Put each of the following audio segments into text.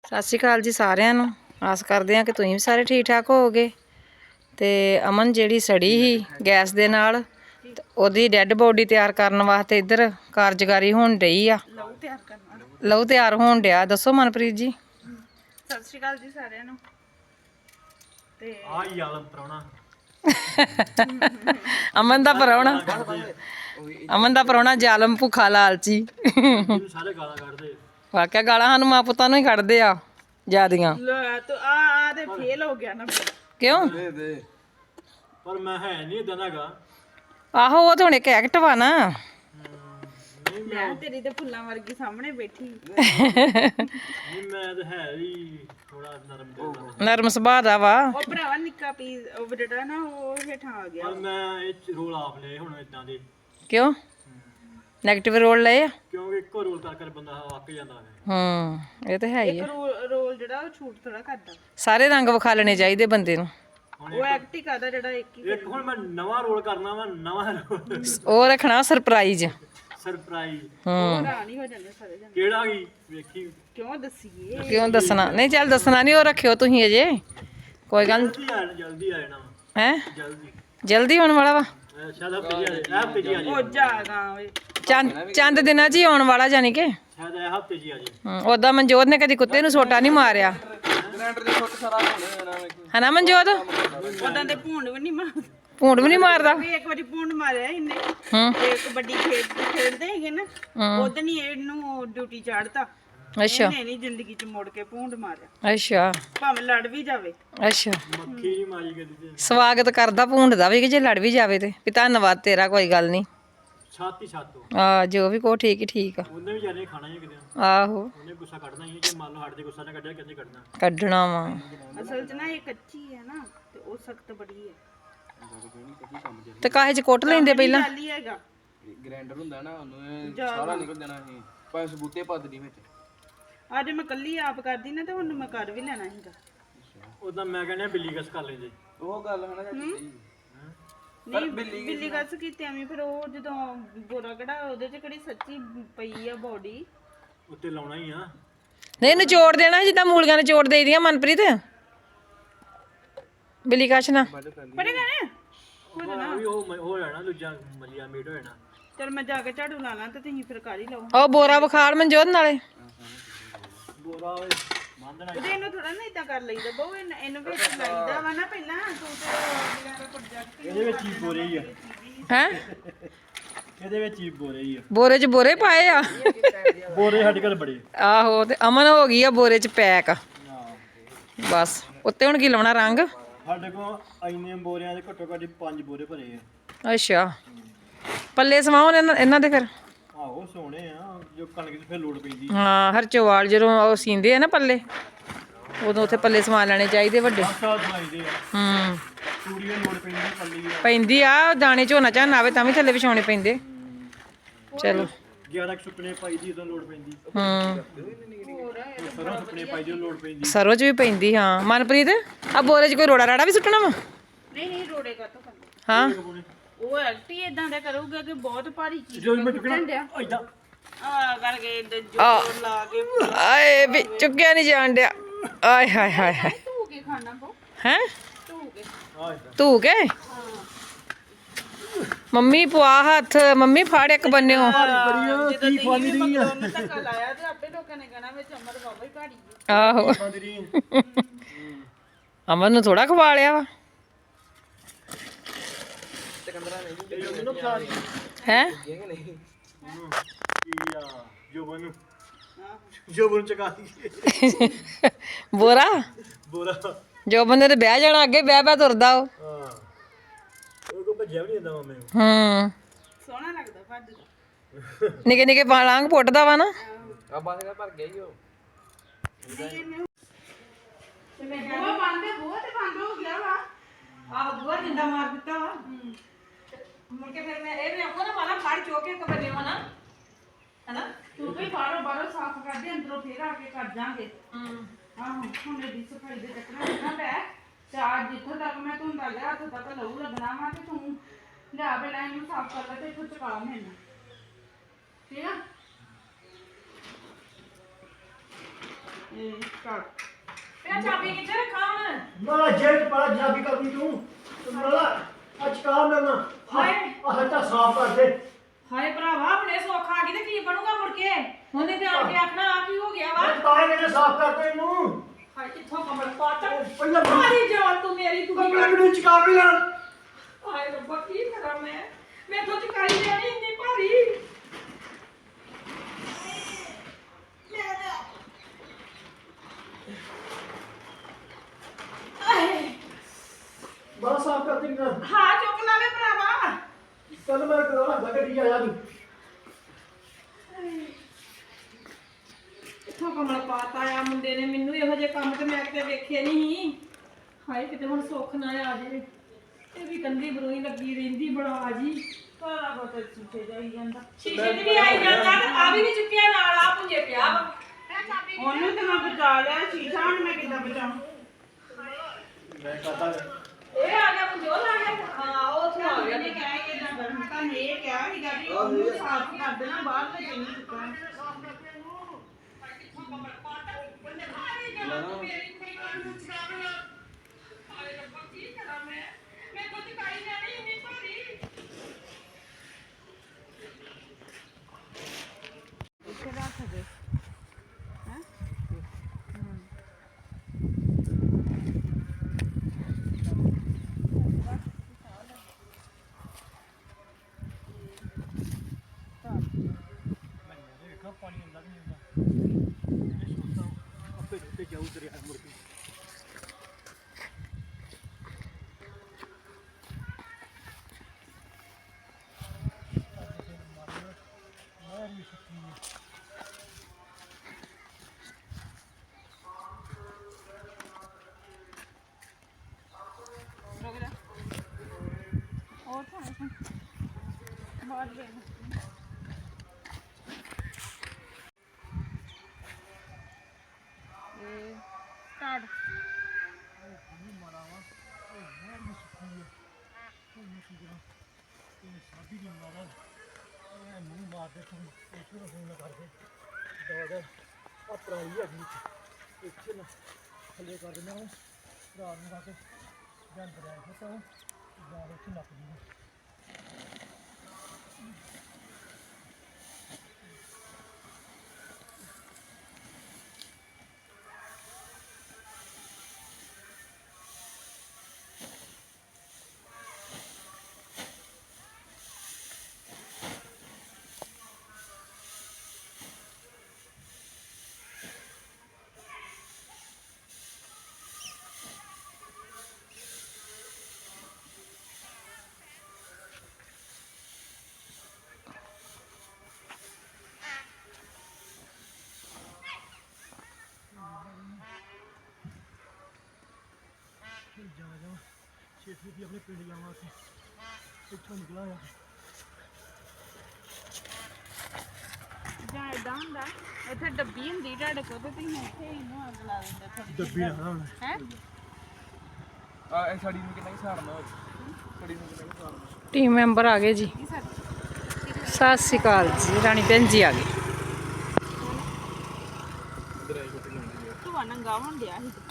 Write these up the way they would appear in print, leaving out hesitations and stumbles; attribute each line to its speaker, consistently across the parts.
Speaker 1: ਸਤਿ ਸ਼੍ਰੀ ਅਕਾਲ ਜੀ ਸਾਰਿਆਂ ਨੂੰ। ਆਸ ਕਰਦੇ ਹਾਂ ਕਿ ਤੁਸੀਂ ਵੀ ਸਾਰੇ ਠੀਕ ਠਾਕ ਹੋਵੋਗੇ। ਤੇ ਅਮਨ ਜਿਹੜੀ ਸੜੀ ਸੀ ਗੈਸ ਦੇ ਨਾਲ, ਉਹਦੀ ਡੈੱਡ ਬੋਡੀ ਤਿਆਰ ਕਰਨ ਵਾਸਤੇ ਇੱਧਰ ਕਾਰਜਕਾਰੀ ਹੋਣ ਡਈ ਆ। ਲਹੂ ਤਿਆਰ ਹੋਣ ਡਿਆ। ਦੱਸੋ ਮਨਪ੍ਰੀਤ ਜੀ।
Speaker 2: ਸਤਿ ਸ਼੍ਰੀ ਅਕਾਲ ਜੀ ਸਾਰਿਆਂ ਨੂੰ। ਤੇ
Speaker 3: ਆਈ ਆਲਮ ਪ੍ਰਾਹੁਣਾ
Speaker 1: ਅਮਨ ਦਾ ਪ੍ਰਾਹੁਣਾ, ਅਮਨ ਦਾ ਪ੍ਰਾਹੁਣਾ ਜ਼ਾਲਮ ਭੁੱਖਾ ਲਾਲਚੀ।
Speaker 3: ਜਿਹਨੂੰ ਸਾਰੇ ਗਾਲਾਂ ਕੱਢਦੇ।
Speaker 1: ਵਾਕਿਆ ਗਾਲਾਂ ਸਾਨੂੰ ਮਾਂ ਪੁੱਤਾਂ ਨੂੰ ਹੀ ਕੱਢਦੇ ਆ ਜਿਆਦੀਆਂ।
Speaker 2: ਲੈ ਤੂੰ ਆ ਤੇ ਫੇਲ ਹੋ ਗਿਆ ਨਾ।
Speaker 1: ਕਿਉਂ?
Speaker 3: ਪਰ ਮੈਂ ਹੈ ਨਹੀਂ ਇਦਾਂ ਦਾ ਹੈਗਾ।
Speaker 1: ਆਹੋ ਉਹ ਤਾਂ ਹੁਣ ਇੱਕ ਐਕਟ ਵਾ ਨਾ।
Speaker 2: ਲੈ ਤੇਰੀ ਤੇ ਫੁੱਲਾਂ ਵਰਗੀ ਸਾਹਮਣੇ ਬੈਠੀ।
Speaker 3: ਨਹੀਂ ਮੈਂ ਤਾਂ ਹੈ ਹੀ ਥੋੜਾ ਨਰਮ ਦਿਲ ਦਾ।
Speaker 1: ਨਰਮ ਸੁਭਾਅ ਦਾ ਵਾ।
Speaker 2: ਉਹ ਭਰਾਵਾ ਨਿੱਕਾ ਪੀਸ ਉਹ ਜਿਹੜਾ ਨਾ ਉਹ ਹੇਠਾਂ ਆ ਗਿਆ।
Speaker 3: ਪਰ ਮੈਂ ਇਹ ਰੋਲ ਆਪ ਲਏ ਹੁਣ ਇਦਾਂ ਦੇ।
Speaker 1: ਕਿਉਂ? ਨੈਗੇਟਿਵ ਰੋਲ ਲਏ ਆ?
Speaker 3: ਕਿਉਂਕਿ ਇੱਕੋ ਰੋਲ ਕਰ ਬੰਦਾ ਅੱਕ ਜਾਂਦਾ ਹੈ।
Speaker 1: ਇਹ ਤਾਂ ਹੈ ਹੀ
Speaker 2: ਇੱਕ
Speaker 1: ਆ।
Speaker 2: ਰੋਲ ਜਿਹੜਾ ਉਹ ਛੂਟ ਥੋੜਾ ਕਰਦਾ।
Speaker 1: ਸਾਰੇ ਰੰਗ ਵਿਖਾ ਲੈਣੇ ਚਾਹੀਦੇ ਬੰਦੇ ਨੂੰ।
Speaker 2: ਉਹ ਐਕਟ ਹੀ ਕਰਦਾ ਜਿਹੜਾ ਇੱਕ ਹੀ।
Speaker 3: ਇੱਕ ਹੁਣ ਮੈਂ ਨਵਾਂ ਰੋਲ ਕਰਨਾ ਵਾ, ਨਵਾਂ ਰੋਲ
Speaker 1: ਉਹ ਰੱਖਣਾ ਸਰਪ੍ਰਾਈਜ਼।
Speaker 3: ਸਰਪ੍ਰਾਈਜ਼।
Speaker 2: ਹੈਰਾਨ ਹੀ ਹੋ ਜਾਂਦੇ ਸਾਰੇ ਜਣੇ।
Speaker 3: ਕਿਹੜਾ ਕੀ ਵੇਖੀ।
Speaker 2: ਕਿਉਂ ਦੱਸੀਏ?
Speaker 1: ਕਿਉਂ ਦੱਸਣਾ? ਨਹੀਂ ਚੱਲ ਦੱਸਣਾ ਨਹੀਂ, ਉਹ ਰੱਖਿਓ ਤੁਸੀਂ ਅਜੇ। ਕੋਈ ਗੱਲ
Speaker 3: ਜਲਦੀ ਆ ਜਾਣਾ ਵਾ।
Speaker 1: ਹੈ
Speaker 3: ਜਲਦੀ
Speaker 1: ਜਲਦੀ ਹੋਣ ਵਾਲਾ ਵਾ।
Speaker 3: ਸ਼ਾਇਦ ਹਫ਼ਤੇ ਜੀ ਆ ਜਾਏ।
Speaker 2: ਉਹ ਜਾਗਾ ਓਏ।
Speaker 1: ਚੰਦ ਦਿਨਾਂ 'ਚ ਹੀ ਆਉਣ ਵਾਲਾ ਜਾਨੀ ਕਿ।
Speaker 3: ਸ਼ਾਇਦ ਇਹ ਹਫ਼ਤੇ ਜੀ ਆ ਜਾਏ।
Speaker 1: ਉਦਾਂ ਮਨਜੋਤ ਨੇ ਕਦੀ ਕੁੱਤੇ ਨੂੰ ਸੋਟਾ ਨਹੀਂ ਮਾਰਿਆ। ਹਨਾ ਮਨਜੋਤ?
Speaker 2: ਉਦਾਂ ਦੇ ਭੂੰਡ ਵੀ ਨਹੀਂ ਮਾਰਦਾ।
Speaker 1: ਭੂੰਡ ਵੀ ਨਹੀਂ ਮਾਰਦਾ।
Speaker 2: ਵੀ ਇੱਕ ਵਾਰੀ ਭੂੰਡ ਮਾਰਿਆ ਇਹਨੇ।
Speaker 1: ਹੂੰ
Speaker 2: ਤੇ ਕਬੱਡੀ ਖੇਡਦੇ ਹੈਗੇ ਨਾ, ਉਦੋਂ ਹੀ ਇਹਨੂੰ ਡਿਊਟੀ ਚਾੜਤਾ।
Speaker 1: ਅੱਛਾ
Speaker 2: ਇਹਨੇ ਨਹੀਂ ਜ਼ਿੰਦਗੀ 'ਚ ਮੁੜ ਕੇ ਭੂੰਡ ਮਾਰਿਆ,
Speaker 1: ਅੱਛਾ
Speaker 2: ਭਾਵੇਂ ਲੜ ਵੀ ਜਾਵੇ।
Speaker 1: ਅੱਛਾ।
Speaker 3: ਮੱਖੀ ਨਹੀਂ ਮਾਰੀ ਕਦੀ ਤੇ।
Speaker 1: ਸਵਾਗਤ ਕਰਦਾ ਭੂੰਡ ਦਾ ਵੀ ਕਿ ਜੇ ਲੜ ਵੀ ਜਾਵੇ ਤੇ ਵੀ ਧੰਨਵਾਦ ਤੇਰਾ, ਕੋਈ ਗੱਲ ਨਹੀਂ।
Speaker 3: ਛਾਤੀ ਛਾਤੋ
Speaker 1: ਆ ਜੋ ਵੀ ਕੋ ਠੀਕ ਹੀ ਠੀਕ ਆ।
Speaker 3: ਉਹਨੇ ਵੀ ਜਾਨੇ ਖਾਣਾ ਹੀ ਕਿਤੇ।
Speaker 1: ਆਹੋ
Speaker 3: ਉਹਨੇ ਗੁੱਸਾ ਕੱਢਣਾ ਹੀ ਹੈ। ਜੇ ਮੰਨ ਲਓ ਸਾਡੇ ਤੇ ਗੁੱਸਾ ਨਾ ਕੱਢਿਆ ਕਿੰਨੇ ਕੱਢਣਾ।
Speaker 1: ਕੱਢਣਾ ਵਾ।
Speaker 2: ਅਸਲ 'ਚ ਨਾ ਇਹ ਕੱਚੀ ਹੈ ਨਾ, ਤੇ ਉਹ ਸਖਤ ਬੜੀ ਹੈ।
Speaker 1: ਤੇ ਕਾਹੇ ਚ ਕੁੱਟ ਲੈਂਦੇ ਪਹਿਲਾਂ।
Speaker 2: ਗੱਲ ਹੀ ਹੈਗਾ।
Speaker 4: ਗ੍ਰਾਈਂਡਰ ਹੁੰਦਾ ਨਾ, ਉਹਨੂੰ ਸਾਰਾ ਨਿਕਲ ਜਾਣਾ ਸੀ। ਭਾਵੇਂ ਸਬੂਤੇ ਪਾ ਦੇਣੀ ਵਿੱਚ।
Speaker 2: ਅੱਜ ਮੈਂ ਕੱਲੀ ਆਪ ਕਰਦੀ ਨਾ, ਤੇ ਹੁਣ ਮੈਂ ਕਰ ਵੀ ਲੈਣਾ ਸੀਗਾ।
Speaker 3: ਉਦਾਂ ਮੈਂ ਕਹਿੰਦਾ ਬਿੱਲੀ ਕਸ ਕਰ ਲੈਂਦੇ।
Speaker 4: ਉਹ ਗੱਲ ਹੈ ਨਾ ਚਾਚੀ ਜੀ।
Speaker 2: ਨਹੀਂ ਬਿੱਲੀ ਗੱਸ ਕੀਤੀ ਐਵੇਂ, ਫਿਰ ਉਹ ਜਦੋਂ ਗੋਰਾ ਕੜਾ ਉਹਦੇ 'ਚ ਕਿਹੜੀ ਸੱਚੀ ਪਈ ਆ ਬੋਡੀ।
Speaker 3: ਉੱਤੇ ਲਾਉਣਾ ਹੀ ਆ।
Speaker 1: ਨਹੀਂ ਨਿਚੋੜ ਦੇਣਾ ਜਿੱਦਾਂ ਮੂਲੀਆਂ ਨਿਚੋੜ ਦੇਈਦੀਆਂ ਮਨਪ੍ਰੀਤ। ਬਿੱਲੀ ਕਸ਼ ਨਾ
Speaker 2: ਪੜੇ ਗਏ
Speaker 3: ਉਹ ਵੀ ਉਹ ਹੋ ਜਾਣਾ ਦੂਜਾ ਮਲੀਆ ਮੀਟ ਹੋ ਜਾਣਾ।
Speaker 2: ਚਲ ਮੈਂ ਜਾ ਕੇ ਝਾੜੂ ਲਾ ਲਾਂ ਤੇ ਤੁਸੀਂ ਫਿਰ ਕਰ ਹੀ ਲਓ।
Speaker 1: ਉਹ ਬੋਰਾ ਵਿਖਾੜ ਮਨਜੋਤ ਨਾਲੇ।
Speaker 3: ਬੋਰਾ ਮੰਨਣਾ।
Speaker 2: ਉਹਦੇ ਇਹਨੂੰ ਥੋੜਾ ਨਾ ਇਦਾਂ ਕਰ ਲਈਦਾ ਬਹੁ, ਇਹਨੂੰ ਵਿੱਚ ਲਾਈਦਾ ਵਾ ਨਾ ਪਹਿਲਾਂ। ਤੂੰ ਤੇ ਜਿਹੜਾ ਪ੍ਰੋਜੈਕਟ
Speaker 3: ਇਹਦੇ ਵਿੱਚ ਹੀ ਬੋਰੇ ਹੀ ਆ।
Speaker 1: ਹੈ
Speaker 3: ਇਹਦੇ ਵਿੱਚ ਹੀ ਬੋਰੇ ਹੀ ਆ।
Speaker 1: ਬੋਰੇ 'ਚ ਬੋਰੇ ਪਾਏ ਆ।
Speaker 3: ਬੋਰੇ ਸਾਡੇ ਕੋਲ ਬੜੇ।
Speaker 1: ਆਹੋ ਤੇ ਅਮਨ ਹੋ ਗਈ ਆ ਬੋਰੇ 'ਚ ਪੈਕ। ਬਸ ਉੱਤੇ ਹੁਣ ਕੀ ਲਾਉਣਾ ਰੰਗ।
Speaker 3: ਸਾਡੇ ਕੋਲ ਇੰਨੇ ਬੋਰਿਆਂ ਦੇ ਘੱਟੋ ਘੱਟ 5 ਬੋਰੇ ਭਰੇ ਆ।
Speaker 1: ਅੱਛਾ ਪੱਲੇ ਸਵਾਉਣ ਇਹਨਾਂ ਦੇ ਫਿਰ।
Speaker 3: ਆਹੋ ਸੋਹਣੇ ਆ, ਜੋ ਕਣਕ ਦੀ ਫਿਰ ਲੋੜ ਪੈਂਦੀ।
Speaker 1: ਹਾਂ ਹਰਚੋਵਾਲ ਜਦੋਂ ਉਹ ਸੀਂਦੇ ਆ ਨਾ ਪੱਲੇ, ਉਦੋਂ ਉੱਥੇ ਪੱਲੇ ਸਵਾ ਲੈਣੇ ਚਾਹੀਦੇ ਵੱਡੇ।
Speaker 3: ਸਾਲ ਸਮਾਈਦੇ ਆ। ਚੂੜੀ ਦੀ ਲੋੜ ਪੈਂਦੀ, ਪੱਲੀ ਆ।
Speaker 1: ਪੈਂਦੀ ਆ ਦਾਣੇ ਝੋਨਾ ਝਾਨਾ ਆਵੇ ਤਾਂ ਵੀ ਥੱਲੇ ਵਿਛਾਉਣੇ ਪੈਂਦੇ। ਚਲੋ
Speaker 3: 11 ਸੁੱਕਣੇ ਪਾਈ ਦੀ ਉਦੋਂ ਲੋੜ ਪੈਂਦੀ। ਸਰੋਂ ਸੁੱਕਣੇ ਪਾਈ ਦੀ ਲੋੜ ਪੈਂਦੀ।
Speaker 1: ਸਰੋਂ 'ਚ ਵੀ ਪੈਂਦੀ। ਹਾਂ ਮਨਪ੍ਰੀਤ ਆ ਬੋਰੇ 'ਚ ਕੋਈ ਰੋੜਾ ਰਾੜਾ ਵੀ ਸੁੱਟਣਾ ਵਾ?
Speaker 2: ਨਹੀਂ ਰੋੜੇ ਕਾਤੋਂ ਕਰਨਾ।
Speaker 1: ਹਾਂ
Speaker 2: ਉਹ ਐਕਟ ਹੀ ਇਦਾਂ ਦਾ ਕਰੂਗਾ ਕਿ ਬਹੁਤ ਭਾਰੀ ਚੀਜ਼
Speaker 3: ਜੋ ਮੈਂ ਚੁੱਕਣਾ ਇਦਾਂ
Speaker 2: ਆ ਕਰਕੇ ਜੋਰ ਲਾ ਕੇ
Speaker 1: ਆਏ ਵੀ ਚੁੱਕਿਆ ਨਹੀਂ ਜਾਣ ਡਿਆ। ਆਏ ਹਾਏ ਹਾਏ ਹਾਏ।
Speaker 2: ਧੂ ਕੇ ਖਾਣਾ ਪਊ।
Speaker 1: ਹੈ
Speaker 2: ਧੂ ਕੇ।
Speaker 1: ਧੂ ਕੇ ਮੰਮੀ ਪਵਾ ਹੱਥ। ਮੰਮੀ ਫੜ ਇੱਕ ਬੰਨਿਓ।
Speaker 2: ਜਦੋਂ ਤੁਸੀਂ ਵੀ ਮਗਰੋਂ ਧੱਕਾ ਲਾਇਆ ਤੇ ਆਪੇ ਲੋਕਾਂ ਨੇ ਕਹਿਣਾ ਵਿੱਚ ਅਮਰ ਬਾਬਾ ਹੀ ਭਾਰੀ ਹੈ।
Speaker 1: ਆਹੋ ਅਮਨ ਨੂੰ ਥੋੜਾ ਖਵਾ ਲਿਆ ਵਾ। ਹੈ
Speaker 3: ਜੋਬਨ ਚਕਾ ਦੀ
Speaker 1: ਬੋਰਾ
Speaker 3: ਬੋਰਾ।
Speaker 1: ਜੋ ਬੰਦੇ ਤੇ ਬਹਿ ਜਾਣਾ ਅੱਗੇ ਬਹਿ ਤੁਰਦਾ ਉਹ।
Speaker 3: ਹਾਂ ਉਹ ਕੋ ਭੱਜਿਆ ਵੀ ਨਹੀਂ ਜਾਂਦਾ ਮਾਮੇ ਨੂੰ।
Speaker 2: ਸੋਹਣਾ ਲੱਗਦਾ ਭੱਜਦਾ।
Speaker 1: ਨਿੱਕੇ ਨਿੱਕੇ ਪਾਲਾਂਗ ਪੁੱਟਦਾ ਵਾ ਨਾ।
Speaker 4: ਆ ਬਾਸ ਕਰ ਭਰ ਗਿਆ ਹੀ ਉਹ।
Speaker 2: ਬੂਹਾ ਬੰਦ ਹੈ, ਬੂਹਾ ਤੇ ਬੰਦ ਹੋ ਗਿਆ ਵਾ।
Speaker 1: ਆਹ ਬੂਹਾ ਜਿੰਦਾ ਮਾਰ ਦਿੱਤਾ ਵਾ। ਮੁੜ ਕੇ ਫਿਰ ਮੈਂ ਇਹ ਵੀ ਆਪੋ ਨਾ ਮਾਲਾ ਫੜ ਚੋ ਕੇ ਕਬੱਲੇ ਹੋਣਾ ਹਨਾ।
Speaker 2: ਤੂੰ ਵੀ ਬਾਹਰੋਂ ਸਾਫ਼ ਕਰਦੇ, ਅੰਦਰੋਂ ਫੇਰ ਆ ਕੇ ਕਰ ਜਾਾਂਗੇ। ਆਹੋ ਹੁਣ ਇਹਦੀ ਸਫਾਈ ਦੇ ਚੱਕਰ ਨਾ ਪੈ। ਤੇ ਅੱਜ ਜਿੱਥੋਂ ਤੱਕ ਮੈਂ ਧੁੰਦਾ ਲਿਆ ਉੱਥੋਂ ਤੱਕ ਲਹੂ ਲੱਗਣਾ ਵਾ, ਤੇ ਤੂੰ ਲਿਆ ਪਹਿਲਾਂ ਇਹਨੂੰ ਸਾਫ਼ ਕਰ ਲੈ ਤੇ ਇੱਥੋਂ ਚੁਕਾ ਮੈਨੂੰ। ਠੀਕ ਆ। ਇਹ ਕਰ
Speaker 1: ਤੇ ਚਾਬੀ ਕਿੱਥੇ ਰੱਖਾਂ ਹੁਣ?
Speaker 3: ਮਾਲਾ ਜੇਠ ਪਾ ਜਾਬੀ ਕਰਦੀ ਤੂੰ ਮਾਲਾ ਅੱਜ ਕੰਮ ਕਰਨਾ
Speaker 1: ਹਾਏ।
Speaker 3: ਹੱਟਾ ਸਾਫ਼ ਕਰ ਦੇ
Speaker 1: ਹਾਏ ਭਰਾਵਾ ਹੁਣੇ ਸੁੱਖ ਆ ਗਈ ਤੇ ਕੀ ਬਣੂਗਾ ਮੁੜ ਕੇ? ਉਹਨੇ ਤੇ ਆ ਕੇ ਆਖਣਾ ਆ ਕੀ ਹੋ ਗਿਆ ਵਾ?
Speaker 3: ਤਾਏ ਨੇ ਸਾਫ਼ ਕਰ ਦੇ ਇਹਨੂੰ
Speaker 1: ਹਾਏ ਕਿੱਥੋਂ ਕਮਲ ਪਾਤਾ?
Speaker 3: ਪਹਿਲਾਂ
Speaker 1: ਮਾਰੀ ਜਾਨ ਤੂੰ ਮੇਰੀ ਤੂੰ ਕੀ
Speaker 3: ਕਮਰੇ ਨੂੰ ਚਕਾ ਵੀ ਲੈਣ
Speaker 1: ਹਾਏ ਰੱਬਾ ਕੀ ਕਰਾਂ ਮੈਂ ਤੋਂ ਚਕਾਈ ਜਾਣੀ ਇੰਨੀ ਭਾਰੀ।
Speaker 3: ਬੜਾ ਸਾਫ਼ ਕਰ ਦੇ ਨਾ
Speaker 1: ਹਾਂ ਚੁੱਕ ਲਾਵੇ ਭਰਾਵਾ।
Speaker 3: ਚੱਲ ਮੈਂ ਕਰਾਂਗਾ ਗੱਡੀ ਆਇਆ ਤੂੰ
Speaker 1: ਕਿੱਥੋਂ ਕਮਲ ਪਾਤਾ ਆ ਮੁੰਡੇ ਨੇ ਮੈਨੂੰ ਇਹੋ ਜਿਹੇ ਕੰਮ ਤੇ ਮੈਂ ਕਿਤੇ ਵੇਖੇ ਨਹੀਂ। ਹਾਏ ਕਿਤੇ ਹੁਣ ਸੁੱਖ ਨਾ ਆ ਜੇ। ਇਹ ਵੀ ਕੰਦੀ ਬਰੂਈ ਲੱਗੀ ਰਹਿੰਦੀ ਬੜਾ ਜੀ।
Speaker 2: ਸਾਰਾ ਕੁਝ ਸ਼ੀਸ਼ੇ ਜਾਈ ਜਾਂਦਾ
Speaker 1: ਸ਼ੀਸ਼ੇ ਦੀ ਵੀ ਆਈ ਜਾਂਦਾ ਤੇ ਆ ਵੀ ਨਹੀਂ ਚੁੱਕਿਆ ਨਾਲ ਆ ਪੁੰਜੇ ਪਿਆ ਵਾ।
Speaker 2: ਉਹਨੂੰ ਤੇ ਮੈਂ ਬਚਾ ਲਿਆ ਸ਼ੀਸ਼ਾ ਹੁਣ ਮੈਂ ਕਿੱਦਾਂ ਬਚਾਉਂ
Speaker 3: ਮੈਂ ਕਹਤਾ
Speaker 1: ਇਹ ਆ ਗਿਆ ਪੁੰਜੋਲ ਆ ਗਿਆ। ਹਾਂ ਉਹ ਉੱਥੇ ਆ ਗਿਆ
Speaker 2: ਉਹਨੇ ਕਿਹਾ ਕਿ ਇਦਾਂ ਕਰਨ ਤਾਂ ਇਹ ਕਿਹਾ ਸੀਗਾ ਵੀ ਉਹਨੂੰ ਸਾਫ਼ ਕਰ ਦੇਣਾ ਬਾਹਰ ਤੇ ਜਿੰਨੀ ਚੁੱਕਾ ਇੱਥੇ ਰੱਖ ਦੇ
Speaker 3: ਦੇਖਾ ਪਾਣੀ ਅੰਦਰ ਨਹੀਂ ਹੁੰਦਾ ਇਹ ਸੋਚਦਾ ਆਪੇ ਤੇ ਜਾਊ ਦਰਿਆ ਮੁੜ ਕੇ
Speaker 2: और बहुत स्टार्ट
Speaker 3: ਸਾਡੀ ਦੀ ਮਾਰਾ ਇਹ ਮੂੰਹ ਮਾਰ ਦੇ ਤੂੰ ਇਸ ਨੂੰ ਫੋਨ ਕਰ ਦੇ ਦਵਾ ਆ ਪਰਾਲੀ ਹੈਗੀ ਇੱਥੇ ਨਾ ਥੱਲੇ ਕਰ ਦਿੰਦਾ ਹਾਂ ਰਾਤ ਨੂੰ ਆ ਕੇ ਜੰਦ ਰਿਹਾ ਹੁੰਦਾ ਜਾਂ ਉੱਥੇ ਨੱਪ ਦੀ ਜਾ ਛੇਤੀ ਦੀ ਆਪਣੇ ਪਿੰਡ ਜਾਵਾਂ ਅਸੀਂ ਇੱਥੋਂ ਨਿਕਲਾਂ ਆ
Speaker 2: ਜਾਂ ਏਦਾਂ ਹੁੰਦਾ ਇੱਥੇ ਡੱਬੀ ਹੁੰਦੀ ਤੁਹਾਡੇ ਕੋਲ ਤੇ ਤੁਸੀਂ ਇੱਥੇ ਇਹਨੂੰ ਅੱਗ ਲਾ ਦਿੰਦੇ ਥੋੜੀ
Speaker 3: ਡੱਬੀ ਨਾ ਹੁਣ
Speaker 2: ਹੈ
Speaker 4: ਆ ਇਹ ਸਾਡੀ ਨੂੰ ਕਿੰਨਾ ਹਿਸਾਬ ਨਾਲ ਸਾਡੀ ਨੂੰ ਕਿੰਨਾ ਹਿਸਾਬ ਨਾਲ
Speaker 1: ਟੀਮ ਮੈਂਬਰ ਆ ਗਏ ਜੀ। ਸਤਿ ਸ਼੍ਰੀ ਅਕਾਲ ਜੀ। ਰਾਣੀ ਭੈਣ ਜੀ ਆ ਗਏ।
Speaker 2: ਤੂੰ ਨੰਗਾ ਹੋਣ ਡਿਆ ਸੀ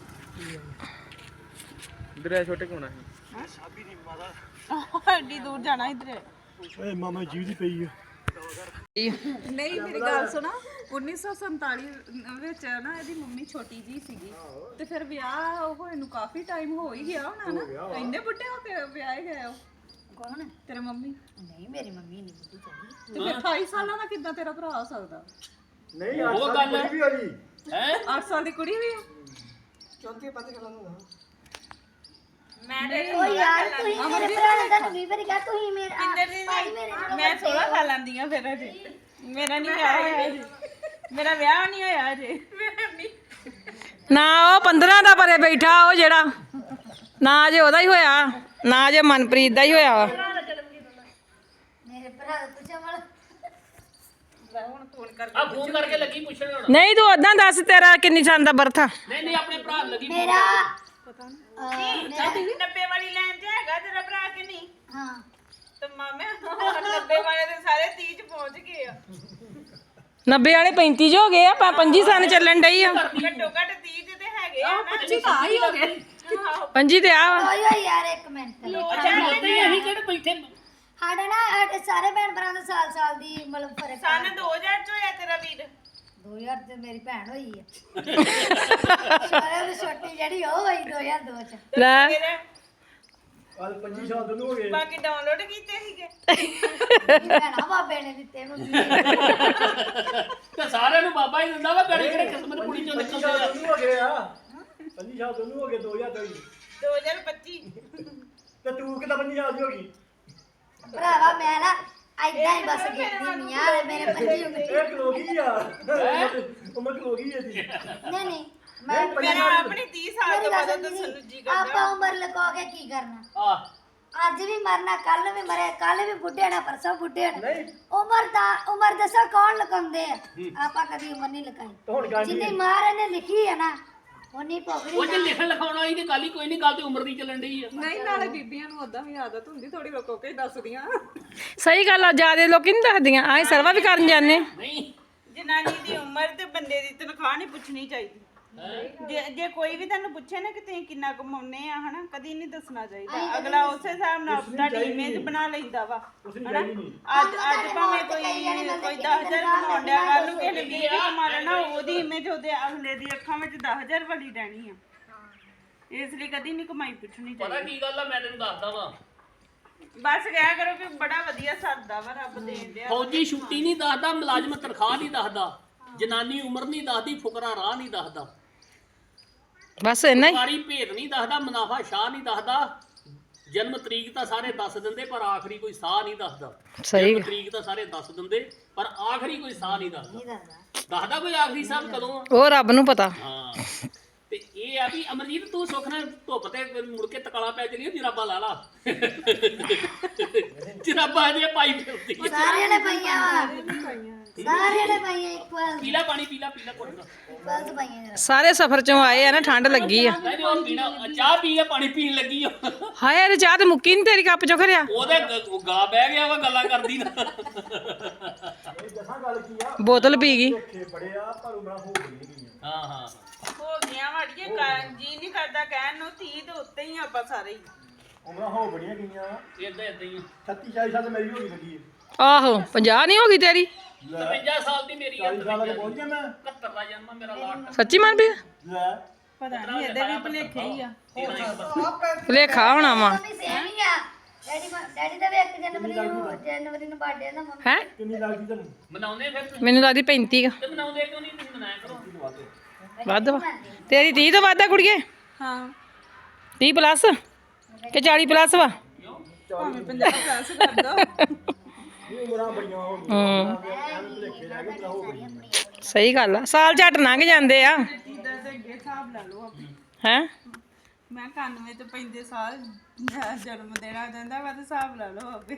Speaker 4: ਦਰਿਆ ਛੋਟੇ ਕੋਣਾ ਹੈ
Speaker 3: ਸਾਬੀ ਦੀ ਮਾਤਾ
Speaker 2: ਐਡੀ ਦੂਰ ਜਾਣਾ ਇਧਰ
Speaker 3: ਓਏ ਮਾਮਾ ਜੀਵ ਦੀ ਪਈ ਆ
Speaker 2: ਨਹੀਂ ਮੇਰੀ ਗੱਲ ਸੁਣਾ 1947 ਵਿੱਚ ਨਾ ਇਹਦੀ ਮੰਮੀ ਛੋਟੀ ਜੀ ਸੀਗੀ ਤੇ ਫਿਰ ਵਿਆਹ ਹੋਏ ਨੂੰ ਕਾਫੀ ਟਾਈਮ ਹੋ ਹੀ ਗਿਆ ਹੋਣਾ ਨਾ ਇੰਨੇ ਬੁੱਢੇ ਹੋ ਕੇ ਵਿਆਹੇ ਗਏ ਹੋ
Speaker 5: ਕੌਣ
Speaker 2: ਤੇਰੇ ਮੰਮੀ
Speaker 5: ਨਹੀਂ ਮੇਰੀ ਮੰਮੀ ਨਹੀਂ ਬੁੱਢੀ ਚੰਗੀ
Speaker 2: ਤੇ ਫਿਰ 28 ਸਾਲਾਂ ਦਾ ਕਿੱਦਾਂ ਤੇਰਾ ਭਰਾ ਹੋ ਸਕਦਾ
Speaker 3: ਨਹੀਂ ਉਹ ਗੱਲ ਵੀ ਹੋਈ
Speaker 2: 8 ਸਾਲ ਦੀ ਕੁੜੀ ਵੀ ਆ
Speaker 3: ਚੌਥੀ ਪੱਤ ਕਰਾਂ ਨੂੰ
Speaker 5: ਓ ਯਾਰ ਤੁਸੀਂ ਮੇਰੇ ਭਰਾ ਨੇ ਤੁਹਾਨੂੰ 20 ਵਾਰੀ ਕਿਹਾ ਤੁਸੀਂ ਮੇਰੇ ਭਾਈ ਮੇਰੇ ਨਾਲ
Speaker 2: ਮੈਂ 16 ਸਾਲਾਂ ਦੀ ਆ ਫਿਰ ਅਜੇ ਮੇਰਾ ਨਹੀਂ ਵਿਆਹ ਹੋਇਆ ਅਜੇ ਮੇਰਾ ਵਿਆਹ ਨਹੀਂ ਹੋਇਆ ਅਜੇ
Speaker 1: ਨਾ ਉਹ 15 ਦਾ ਪਰੇ ਬੈਠਾ ਉਹ ਜਿਹੜਾ ਨਾ ਜੇ ਉਹਦਾ ਹੀ ਹੋਇਆ ਨਾ ਜੇ ਮਨਪ੍ਰੀਤ ਦਾ ਹੀ ਹੋਇਆ ਵਾ।
Speaker 5: ਮੇਰੇ ਭਰਾ ਦਾ ਪੁੱਛਿਆ ਵਾਲਾ
Speaker 1: ਨਹੀਂ ਤੂੰ ਉਦਾਂ ਦੱਸ ਤੇਰਾ ਕਿੰਨੀ ਸਾਲ ਦਾ ਬਰਥ ਆ?
Speaker 5: ਮੇਰਾ
Speaker 2: ਨੱਬੇ ਵਾਲੀ ਲਾਈਨ ਤੇ ਹੈਗਾ ਤੇਰਾ ਭਰਾ ਕਿ ਨਹੀਂ
Speaker 5: ਹਾਂ
Speaker 2: ਤੇ ਮਾਮੇ 90 ਵਾਲੇ ਦੇ ਸਾਰੇ 30 ਚ ਪਹੁੰਚ ਗਏ ਆ
Speaker 1: 90 ਵਾਲੇ 35 ਜੋ ਹੋ ਗਏ ਆ 25 ਸਾਲ ਚੱਲਣ ਡਈ ਆ
Speaker 2: ਘੱਟੋ ਘੱਟ 30 ਤੇ ਹੈਗੇ ਆ ਨਾ
Speaker 1: 25 ਤੇ ਆ ਵਾ
Speaker 5: ਓਏ ਯਾਰ ਇੱਕ ਮਿੰਟ
Speaker 3: ਅਸੀਂ ਕਿਹੜੇ ਬੈਠੇ
Speaker 5: ਸਾਡਾ ਨਾ ਸਾਡੇ ਸਾਰੇ ਭੈਣ ਭਰਾ ਦਾ ਸਾਲ ਦੀ ਮਤਲਬ ਫਰਕ
Speaker 2: ਸਨ 2000 ਚ ਹੋਇਆ ਤੇਰਾ ਵੀਰ
Speaker 5: 2000 ਤੇ ਮੇਰੀ ਭੈਣ ਹੋਈ ਹੈ ਸਾਰਿਆਂ ਤੋਂ ਛੋਟੀ ਜਿਹੜੀ ਉਹ ਹੋਈ 2002 ਚ
Speaker 1: ਲੈ
Speaker 2: ਫਿਰ
Speaker 3: ਕੱਲ 25 ਸਾਲ ਤੋਂ ਹੋ ਗਏ
Speaker 2: ਬਾਕੀ ਡਾਊਨਲੋਡ ਕੀਤੇ ਸੀਗੇ
Speaker 5: ਮੇਰੀ ਭੈਣਾ ਬਾਬੇ ਨੇ ਦਿੱਤੇ ਮੈਨੂੰ
Speaker 3: ਤੇ ਸਾਰਿਆਂ ਨੂੰ ਬਾਬਾ ਹੀ ਦਿੰਦਾ ਵਾ ਗੜੀ ਕਿਹੜੇ ਕਿਸਮਤ ਕੁੜੀ ਚੋਂ ਨਿਕਲਦੇ ਆ ਹੋ ਗਏ ਆ 25 ਸਾਲ ਤੋਂ ਹੋ ਗਏ 2000 ਤੋਂ
Speaker 2: 2025
Speaker 3: ਤੇ ਤੂੰ ਕਿਦਾਂ 25 ਸਾਲ ਦੀ ਹੋ ਗਈ
Speaker 5: ਭਰਾਵਾ ਮੈਂ ਨਾ ਐਦਾਂ ਹੀ ਬਸ ਗਿਣਦੀ ਮੀਆਂ ਤੇ ਮੇਰੇ 25 ਉਂਗਲੀ
Speaker 3: ਇਹ ਖਲੋ ਗਈ ਆ ਉਮਰ ਖਲੋ ਗਈ ਇਹਦੀ
Speaker 5: ਨਹੀਂ ਨਹੀਂ ਮੈਂ
Speaker 2: ਮੇਰਾ ਆਪਣੀ 30 ਸਾਲ
Speaker 5: ਮੇਰੀ
Speaker 2: ਤੋਂ
Speaker 5: ਗੱਲ
Speaker 2: ਬਾਅਦ
Speaker 5: ਸੁਣ
Speaker 2: ਦੱਸਣ ਨੂੰ ਜੀ ਕਰਦਾ
Speaker 5: ਆਪਾਂ ਉਮਰ ਲਗਾ ਕੇ ਕੀ ਕਰਨਾ
Speaker 3: ਆ
Speaker 5: ਅੱਜ ਵੀ ਮਰਨਾ ਕੱਲ ਵੀ ਮਰੇ ਕੱਲ ਵੀ ਬੁੱਢੇ ਨਾ ਪਰਸੋਂ ਬੁੱਢੇ ਨਾ
Speaker 3: ਨਹੀਂ
Speaker 5: ਉਮਰ ਦੱਸੋ ਕੌਣ ਲਗਾਉਂਦੇ ਆ ਆਪਾਂ ਕਦੀ ਉਮਰ ਨਹੀਂ ਲਗਾਈ
Speaker 3: ਹੁਣ ਗੱਲ
Speaker 5: ਜਿੰਨੀ ਮਾਰ ਨੇ ਲਿਖੀ ਹੈ ਨਾ ਉਨੀ
Speaker 3: ਉਹ
Speaker 5: ਭੋਗਣੀ
Speaker 3: ਜੇ ਲਿਖਣ ਲਿਖਾਉਣਾ ਹੀ ਤੇ ਗੱਲ ਹੀ ਕੋਈ ਨਹੀਂ ਗੱਲ ਤੇ ਉਮਰ ਦੀ ਚੱਲਣ ਡਈ ਆ
Speaker 6: ਨਹੀਂ ਨਾਲੇ ਬੀਬੀਆਂ ਨੂੰ ਉਦਾਂ ਵੀ ਆਦਤ ਹੁੰਦੀ ਥੋੜੀ ਰੁਕੋ ਕੇ ਦੱਸਦੀਆਂ
Speaker 1: ਸਹੀ ਗੱਲ ਆ ਜਿਆਦੇ ਲੋਕੀ ਨਹੀਂ ਦੱਸਦੀਆਂ ਆਏ ਸਰਵਾ ਵੀ ਕਰਨ ਜਾਂਦੇ
Speaker 3: ਨਹੀਂ
Speaker 2: ਜਨਾਨੀ ਦੀ ਉਮਰ ਤੇ ਬੰਦੇ ਦੀ ਤਨਖਾਹ ਨਹੀਂ ਪੁੱਛਣੀ ਚਾਹੀਦੀ ਜੇ ਕੋਈ ਵੀ ਤੁਹਾਨੂੰ ਪੁੱਛੇ ਨਾ ਕਿ ਤੁਸੀਂ ਕਿੰਨਾ ਕਮਾਉਂਦੇ ਆ ਹਨਾ ਕਦੀ ਨਹੀਂ ਦੱਸਣਾ ਚਾਹੀਦਾ ਅਗਲਾ ਉਸੇ ਹਿਸਾਬ ਨਾਲ ਤੁਹਾਡੀ ਇਮੇਜ ਬਣਾ ਲੈਂਦਾ ਵਾ ਹਨਾ ਅੱਜ ਭਾਵੇਂ ਕੋਈ 10000 ਕਮਾਉਣ ਡਿਆ ਕੱਲ ਨੂੰ ਕਿਸੇ ਨੇ 20 ਵੀ ਕਮਾ ਲੈਣਾ ਉਹਦੀ ਇਮੇਜ ਉਹਦੇ ਅਗਲੇ ਦੀ ਅੱਖਾਂ ਵਿੱਚ 10000 ਵਾਲੀ ਰਹਿਣੀ ਆ ਇਸ ਲਈ ਕਦੀ ਨਹੀਂ ਕਮਾਈ ਪੁੱਛਣੀ
Speaker 3: ਪਤਾ
Speaker 2: ਚਾਹੀਦੀ
Speaker 3: ਕੀ ਗੱਲ ਆ ਮੈਂ ਤੈਨੂੰ ਦੱਸਦਾ ਵਾਂ
Speaker 2: ਬਸ ਕਿਹਾ ਕਰੋ ਕਿ ਬੜਾ ਵਧੀਆ ਸਰਦਾ ਵਾ ਰੱਬ ਦੇਣ ਡਿਆ
Speaker 3: ਫੌਜੀ ਛੁੱਟੀ ਨਹੀਂ ਦੱਸਦਾ ਮੁਲਾਜ਼ਮ ਤਨਖਾਹ ਨਹੀਂ ਦੱਸਦਾ ਜਨਾਨੀ ਉਮਰ ਨਹੀਂ ਦੱਸਦੀ ਫੁਕਰਾ ਰਾਹ ਨਹੀਂ ਦੱਸਦਾ
Speaker 1: ਬਸ ਇੰਨਾ ਹੀ
Speaker 3: ਸਰਕਾਰੀ ਭੇਦ ਨਹੀਂ ਦੱਸਦਾ ਮੁਨਾਫਾ ਸ਼ਾਹ ਨਹੀਂ ਦੱਸਦਾ ਜਨਮ ਤਰੀਕ ਤਾਂ ਸਾਰੇ ਦੱਸ ਦਿੰਦੇ ਪਰ ਆਖਰੀ ਕੋਈ ਸਾਹ ਨਹੀਂ ਦੱਸਦਾ
Speaker 1: ਸਹੀ
Speaker 3: ਜਨਮ ਤਰੀਕ ਤਾਂ ਸਾਰੇ ਦੱਸ ਦਿੰਦੇ ਪਰ ਆਖਰੀ ਕੋਈ ਸਾਹ ਨਹੀਂ ਦੱਸਦਾ ਦੱਸਦਾ ਕੋਈ ਆਖਰੀ ਸਾਹ ਕਦੋਂ ਆ
Speaker 1: ਉਹ ਰੱਬ ਨੂੰ ਪਤਾ
Speaker 3: ਹਾਂ ਤੇ ਇਹ ਆ ਵੀ ਅਮਰਜੀਤ ਤੂੰ ਸੁੱਖ ਨਾਲ ਧੁੱਪ ਤੇ ਮੁੜ ਕੇ ਤਕਾਲਾ ਪੈ ਚਲੀ ਜਰਾਬਾ ਲਾ ਲਾ ਜਰਾਬਾ ਜੇ ਪਾਈ ਫਿਰਦੀ
Speaker 5: ਸਾਰਿਆਂ ਨੇ ਪਈਆਂ ਵਾ ਸਾਰਿਆਂ ਨੇ ਪਈਆਂ ਇਕੁਅਲ
Speaker 3: ਪੀਲਾ ਪਾਣੀ ਪੀਲਾ ਘੁੱਟ
Speaker 5: ਇਕੁਅਲ ਪਈਆਂ ਜਰਾ
Speaker 1: ਸਾਰੇ ਸਫ਼ਰ ਚੋਂ ਆਏ ਆ ਨਾ ਠੰਡ ਲੱਗੀ ਆ
Speaker 3: ਨਹੀਂ ਉਹ ਪੀਣਾ ਚਾਹ ਪੀ ਕੇ ਪਾਣੀ ਪੀਣ ਲੱਗੀ ਆ
Speaker 1: ਹਾਏ ਇਹ ਚਾਹ ਤੇ ਮੁੱਕੀ ਨਹੀਂ ਤੇਰੀ ਕੱਪ ਚੋਂ ਖਰਿਆ
Speaker 3: ਉਹਦੇ ਗਲਾ ਬਹਿ ਗਿਆ ਵਾ ਗੱਲਾਂ ਕਰਦੀ ਨਾ
Speaker 1: ਬੋਤਲ ਪੀ ਗਈ
Speaker 3: ਹਾਂ ਹਾਂ
Speaker 2: ਹੋ ਗਈਆਂ ਵਾੜੀਏ ਜੀ ਨਹੀਂ ਕਰਦਾ ਕਹਿਣ ਨੂੰ 30 ਦੇ ਉੱਤੇ ਹੀ ਆਪਾਂ ਸਾਰੇ ਹੀ
Speaker 3: ਉਮਰਾਂ ਹੋ ਬੜੀਆਂ ਗਈਆਂ ਇਦਾਂ ਇਦਾਂ ਹੀ 36 40 ਸਾਲ ਮੇਰੀ ਹੋ ਗਈ ਲੱਗੀ
Speaker 1: ਆਹੋ 50 ਨਹੀਂ ਹੋ ਗਈ ਤੇਰੀ
Speaker 3: 53 ਸਾਲ ਦੀ ਮੇਰੀ 40 ਸਾਲ ਦੇ ਪਹੁੰਚ ਗਿਆ ਮੈਂ 71 ਦਾ ਜਨਮ ਮੇਰਾ ਲਾਟ
Speaker 1: ਸੱਚੀ ਮਨ ਵੀ
Speaker 3: ਲੈ
Speaker 2: ਪਤਾ ਨਹੀਂ ਇਹਦੇ ਵੀ ਭੁਲੇਖੇ ਹੀ ਆ
Speaker 1: ਭੁਲੇਖਾ ਹੋਣਾ ਵਾ
Speaker 5: ਮੰਮੀ ਸੇਮ ਹੀ ਆ ਡੈਡੀ ਦਾ ਵੀ 1 ਜਨਵਰੀ ਨੂੰ ਬਰਥਡੇ ਦਾ ਮੰਮੀ
Speaker 1: ਹੈ
Speaker 3: ਕਿੰਨੀ ਲੱਗਦੀ ਤੁਹਾਨੂੰ ਮਨਾਉਂਦੇ ਫਿਰ ਤੁਸੀਂ?
Speaker 1: ਮੈਨੂੰ ਲੱਗਦੀ 35 ਆ
Speaker 3: ਤੇ ਮਨਾਉਂਦੇ ਕਿਉਂ ਨਹੀਂ ਤੁਸੀਂ ਮਨਾਇਆ ਕਰੋ
Speaker 1: ਵੱਧ ਵਾ ਤੇਰੀ 30 ਤੋਂ ਵੱਧ ਆ ਕੁੜੀਏ
Speaker 2: ਹਾਂ
Speaker 1: 30 ਪਲੱਸ ਕਿ 40 ਪਲੱਸ ਵਾ
Speaker 2: ਭਾਵੇਂ 50 ਪਲੱਸ ਕਰ ਦੋ
Speaker 3: ਇਹ ਉਮਰਾਂ ਬੜੀਆਂ ਹੋ ਗਈਆਂ ਐਵੇਂ ਭੁਲੇਖੇ ਰਹਿ ਗਏ ਹੋ ਬੜੀਆਂ
Speaker 1: ਸਹੀ ਗੱਲ ਆ ਸਾਲ ਝੱਟ ਲੰਘ ਜਾਂਦੇ ਆ
Speaker 2: ਜਿੱਦਾਂ ਦੇ ਅੱਗੇ ਹਿਸਾਬ ਲਾ ਲਓ ਆਪਣੀ
Speaker 1: ਹੈ
Speaker 2: ਮੈਂ 91 ਤੇ 35 ਸਾਲ ਜਨਮ ਦਿਨ ਆ ਜਾਂਦਾ ਵਾ ਤੇ ਹਿਸਾਬ ਲਾ ਲਓ ਆਪੇ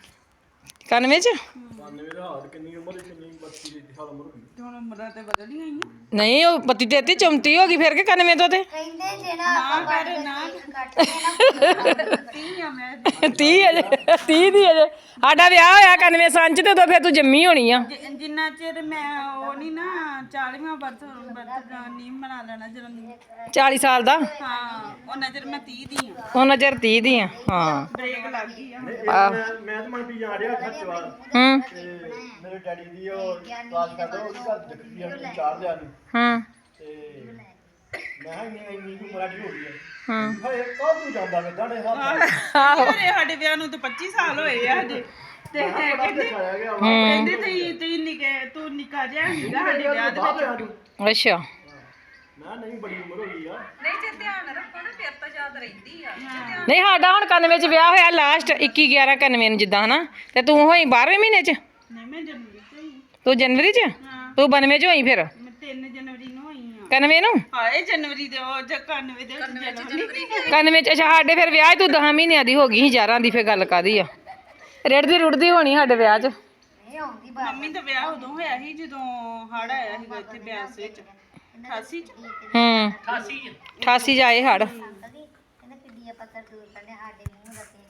Speaker 1: 91 ਚ
Speaker 3: 92 ਦਾ ਹਾਲ ਕਿੰਨੀ ਉਮਰ ਕਿੰਨੀ 32 ਦੀ ਸਾਲ ਉਮਰ ਹੋਈ
Speaker 2: ਤੇ ਹੁਣ ਉਮਰਾਂ ਤੇ ਬਦਲ ਹੀ ਗਈਆਂ
Speaker 1: ਨਹੀਂ ਉਹ 32 33 34 ਹੋ ਗਈ ਫਿਰ ਕਿ 91 ਤੋਂ ਤੇ
Speaker 5: ਕਹਿੰਦੇ ਜੇ ਨਾ ਆਪਾਂ ਕੱਟ ਕੇ ਨਾ
Speaker 2: 30 ਆ ਮੈਂ
Speaker 1: 30 ਅਜੇ 30 ਦੀ ਅਜੇ ਸਾਡਾ ਵਿਆਹ ਹੋਇਆ 91 ਸੰਨ ਚ ਤੇ ਉਦੋਂ ਫਿਰ ਤੂੰ ਜੰਮੀ ਹੋਣੀ ਆ
Speaker 2: ਜਿੰਨਾ ਚਿਰ ਮੈਂ ਉਹ ਨਹੀਂ ਨਾ 40ਵਾਂ ਬਰਥ ਨਹੀਂ ਮਨਾ ਲੈਣਾ ਜਨਮ
Speaker 1: 40 ਸਾਲ ਦਾ
Speaker 2: ਹਾਂ ਉਹਨਾਂ ਚਿਰ ਮੈਂ 30 ਦੀ ਆ
Speaker 1: ਉਹਨਾਂ ਚਿਰ 30 ਦੀ ਆ ਹਾਂ
Speaker 2: ਬ੍ਰੇਕ ਲੱਗ ਗਈ ਆ
Speaker 3: ਮੈਂ ਤਾਂ ਮਨ ਵੀ ਜਾ ਰਿਹਾ ਖੱਚਵਾ
Speaker 1: ਹੂੰ
Speaker 3: ਤੇ ਮੇਰੇ ਡੈਡੀ ਦੀ ਉਹ ਕਲਾਸ ਕਰਦਾ ਉਹ ਘਰ ਦੇਖੀ ਆ ਚਾਰ ਲਿਆ ਨੂੰ
Speaker 1: ਹੂੰ
Speaker 3: ਤੇ ਮੈਂ ਇੰਨੀ ਉਮਰ ਦੀ ਹੋ ਗਈ ਹੈ
Speaker 1: ਹੂੰ
Speaker 3: ਹਾਏ ਕੌਣ ਤੂੰ ਜਾਂਦਾ ਮੈਂ ਤੁਹਾਡੇ ਹੱਥ
Speaker 2: ਮੇਰੇ ਸਾਡੇ ਵਿਆਹ ਨੂੰ ਤਾਂ 25 ਸਾਲ ਹੋਏ ਆ ਹਜੇ ਤੇ ਕਹਿੰਦੇ
Speaker 3: ਖਾਇਆ ਗਿਆ
Speaker 2: ਕਹਿੰਦੇ ਤੁਸੀਂ ਨਿੱਕੇ ਤੂੰ ਨਿੱਕਾ ਜਿਹਾ ਸੀਗਾ ਸਾਡੇ ਵਿਆਹ ਦੇ ਵਿੱਚ
Speaker 1: ਅੱਛਾ
Speaker 3: ਮੈਂ ਨਹੀਂ ਬੜੀ ਉਮਰ ਹੋ ਗਈ ਆ
Speaker 6: ਨਹੀਂ ਜੇ ਧਿਆਨ ਰੱਖੋ ਨਾ ਫਿਰ ਤਾਂ ਯਾਦ ਰਹਿੰਦੀ ਆ
Speaker 1: ਨਹੀਂ ਸਾਡਾ ਹੁਣ 91 ਚ ਵਿਆਹ ਹੋਇਆ ਲਾਸਟ 21 11 91 ਨੂੰ ਜਿੱਦਾਂ ਹਨਾ ਤੇ ਤੂੰ ਹੋਈ 12ਵੇਂ ਮਹੀਨੇ ਚ
Speaker 2: ਨਹੀਂ ਮੈਂ ਜਨਵਰੀ ਚ ਹੋਈ
Speaker 1: ਤੂੰ ਜਨਵਰੀ ਚ ਤੂੰ 92 ਚ ਹੋਈ ਫਿਰ
Speaker 2: ਮੈਂ 3 ਜਨਵਰੀ ਨੂੰ ਹੋਈ ਆ
Speaker 1: 91 ਨੂੰ
Speaker 2: ਹਾਏ ਜਨਵਰੀ ਦੇ ਉਹ ਜਾਂ 91 ਦੇ ਵਿੱਚ ਜਨਵਰੀ
Speaker 1: 91 ਚ ਅੱਛਾ ਸਾਡੇ ਫਿਰ ਵਿਆਹ 'ਚ ਤੂੰ 10 ਮਹੀਨਿਆਂ ਦੀ ਹੋ ਗਈ ਸੀ 11 ਦੀ ਫਿਰ ਗੱਲ ਕਾਦੀ ਆ ਰੜਦੀ ਰੁੜਦੀ ਹੋਣੀ ਸਾਡੇ ਵਿਆਹ 'ਚ
Speaker 5: ਨਹੀਂ ਆਉਂਦੀ
Speaker 2: ਮੰਮੀ ਦਾ ਵਿਆਹ ਉਦੋਂ ਹੋਇਆ ਸੀ ਜਦੋਂ ਹੜ ਆਇਆ ਸੀਗਾ ਇੱਥੇ ਬਿਆਸ ਵਿੱਚ 88 ਚ
Speaker 1: ਹੂੰ
Speaker 3: 88
Speaker 1: 88 ਚ ਆਏ ਹੜ
Speaker 5: ਕਹਿੰਦੇ ਕਿੱਡੀ ਪੱਤਰ ਦੂਰ ਕਰਨੇ ਸਾਡੇ ਮੂੰਹ ਦਾ